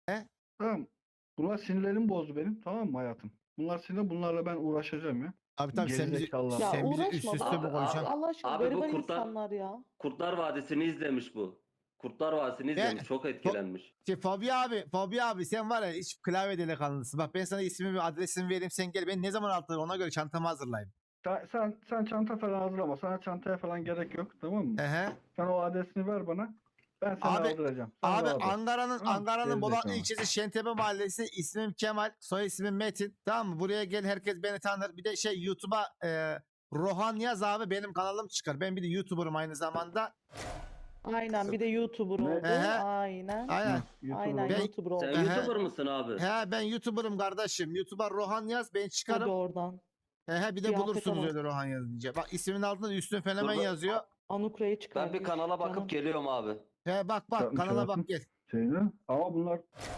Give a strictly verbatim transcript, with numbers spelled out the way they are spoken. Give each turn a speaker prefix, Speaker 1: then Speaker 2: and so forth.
Speaker 1: Tamam. Bunlar sinirlerimi bozdu benim. Tamam mı hayatım? Bunlar sinirli. Bunlarla ben uğraşacağım ya.
Speaker 2: Abi tabii sen bizi,
Speaker 1: Gerizekalılar.
Speaker 3: Ya
Speaker 2: sen bizi üst
Speaker 3: uğraşma
Speaker 2: üste
Speaker 3: bak.
Speaker 2: mi
Speaker 4: Abi,
Speaker 2: koyacaksın?
Speaker 3: Allah aşkına
Speaker 4: Abi bu
Speaker 3: gariban
Speaker 4: kurtlar-
Speaker 3: insanlar ya.
Speaker 4: Kurtlar Vadisi'ni izlemiş bu. Kurtlar Vadisi'ni izlemiş. Çok etkilenmiş.
Speaker 2: Şey, Fabi abi, Fabi abi sen var ya hiç klavye delikanlısın. Bak ben sana ismimi, adresimi vereyim, sen gel. Ben ne zaman altı ona göre çantamı hazırlayayım.
Speaker 1: Sen, sen, sen çanta falan hazırlama. Sana çantaya falan gerek yok. Tamam mı?
Speaker 2: Ehe.
Speaker 1: Sen o adresini ver bana. Ben seni
Speaker 2: Abi-
Speaker 1: aldıracağım. Sen
Speaker 2: Abi
Speaker 1: rahat ol.
Speaker 2: Ankara'nın
Speaker 1: Tamam,
Speaker 2: Ankara'nın Bolatlı
Speaker 1: gerizekalı.
Speaker 2: ilçesi Şentepe Mahallesi, ismim Kemal, soy ismim Metin. Tamam mı? Buraya gel, herkes beni tanır. Bir de şey YouTube'a e, Rohan yaz abi, benim kanalım çıkar. Ben bir de YouTuber'ım aynı zamanda.
Speaker 3: Aynen bir de YouTuber
Speaker 1: Ne?
Speaker 3: oldu.
Speaker 2: Ehe.
Speaker 3: Aynen.
Speaker 2: Aynen.
Speaker 1: YouTube'da-
Speaker 3: Aynen
Speaker 2: Ben-
Speaker 3: YouTuber oldu.
Speaker 4: Sen
Speaker 2: Ehe.
Speaker 4: YouTuber mısın abi?
Speaker 2: He ben YouTuber'ım kardeşim. YouTube'a Rohan yaz, ben
Speaker 3: Hadi
Speaker 2: çıkarım.
Speaker 3: oradan.
Speaker 2: He he bir de
Speaker 3: Kıyafete
Speaker 2: bulursunuz
Speaker 3: bak.
Speaker 2: öyle Rohan yazınca. Bak ismin altında da Üstün Fenomen
Speaker 4: Dur ben-
Speaker 2: yazıyor.
Speaker 3: Anukra'yı çıkarmış.
Speaker 4: Ben bir kanala bakıp
Speaker 3: canım.
Speaker 4: geliyorum abi.
Speaker 2: He bak bak
Speaker 1: Yapmış
Speaker 2: kanala
Speaker 1: hayatım.
Speaker 2: bak gel.
Speaker 1: Şeyini. Ama bunlar